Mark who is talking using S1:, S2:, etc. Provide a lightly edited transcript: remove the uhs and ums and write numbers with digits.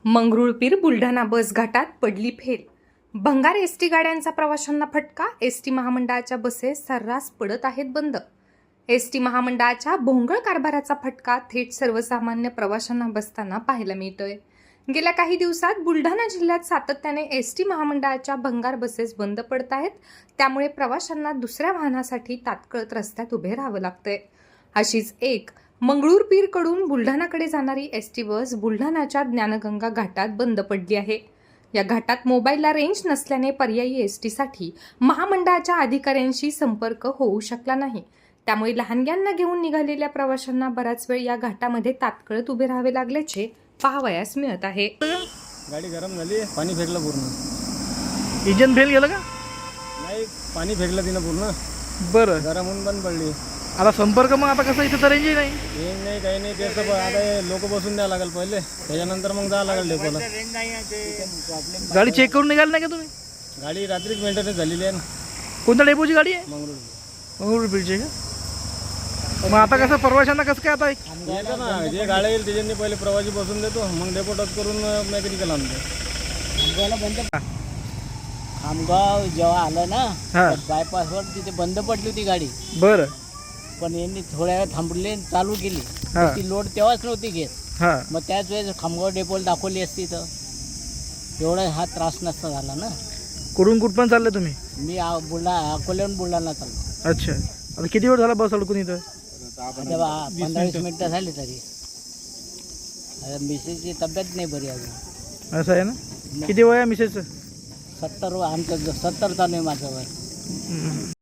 S1: मंगरुळपीर बुलढाणा बस घाटात पडली फेल. भंगार एसटी गाड्यांचा प्रवाशांना फटका. एसटी महामंडळाच्या बसेस सर्रास पडत आहेत बंद. एसटी महामंडळाच्या भोंगळ कारभाराचा फटका थेट सर्वसामान्य प्रवाशांना बसताना पाहायला मिळतोय. गेल्या काही दिवसात बुलढाणा जिल्ह्यात सातत्याने एसटी महामंडळाच्या भंगार बसेस बंद पडत आहेत. त्यामुळे प्रवाशांना दुसऱ्या वाहनासाठी तात्काळ रस्त्यात उभे राहावं लागतंय. अशीच एक मंगरुळपीरकडून बुलढाणाकडे जाणारी एसटी बस बुलढाणाच्या ज्ञानगंगा घाटात बंद पडली आहे. या घाटात मोबाईलला रेंज नसल्याने पर्यायी एसटीसाठी महामंडळाच्या अधिकाऱ्यांशी संपर्क होऊ शकला नाही. त्यामुळे लहानग्यांना घेऊन निघालेल्या प्रवाशांना बराच वेळ या घाटामध्ये तात्काळ उभे राहावे लागल्याचे पाहावयास मिळत आहे.
S2: गाडी गरम झाली, पाणी फेकलं पूर्ण.
S3: इंजन फेल गेलं का?
S2: नाही, पाणी फेकलं तिनं पूर्ण.
S3: बरं,
S2: गरम होऊन बंद पडली.
S3: आता संपर्क मग आता कसं इथं तर रेंज नाही.
S2: रेंज नाही, काही नाही. त्याचं आता लोक बसून द्यावं लागेल पहिले, त्याच्यानंतर मग जावं लागेल डेपोला.
S3: गाडी चेक करून निघाली नाही का तुम्ही?
S2: गाडी रात्रीच मेंटेनन्स झालेली आहे ना.
S3: कोणत्या डेपोची गाडी आहे?
S2: मंगरुळपीर.
S3: का? मग आता कसं प्रवाशांना कसं काय आता
S2: येतं ना, जे गाड्या येईल त्याच्यानी पहिले प्रवासी बसून देतो, मग डेपो टच करून मेकॅनिकल आणतो.
S4: खामगाव जेव्हा आलं ना,
S3: हा.
S4: बायपासवर तिथे बंद पडली होती गाडी.
S3: बरं.
S4: पण यांनी थोड्या वेळ थांबली आणि चालू केली.
S3: हा.
S4: ती लोड तेव्हाच नव्हती घेत.
S3: हां,
S4: मग त्याच वेळेस खामगाव डेपोला दाखवली असती तर एवढा हा त्रास नसता झाला ना.
S3: कुठून कुठपर्यंत चालले तुम्ही?
S4: मी अकोल्याहून बुलढाणा चाललो.
S3: अच्छा, आता किती वेळ झाला बस अडकून इथं?
S4: आता 15-20 मिनिटं झाली तरी. आता मिसेसची तब्येत नाही बरी अजून.
S3: असं आहे ना. किती वय आहे मिसेसचं?
S4: 70 आमचं 70 चालू आहे माझं वय.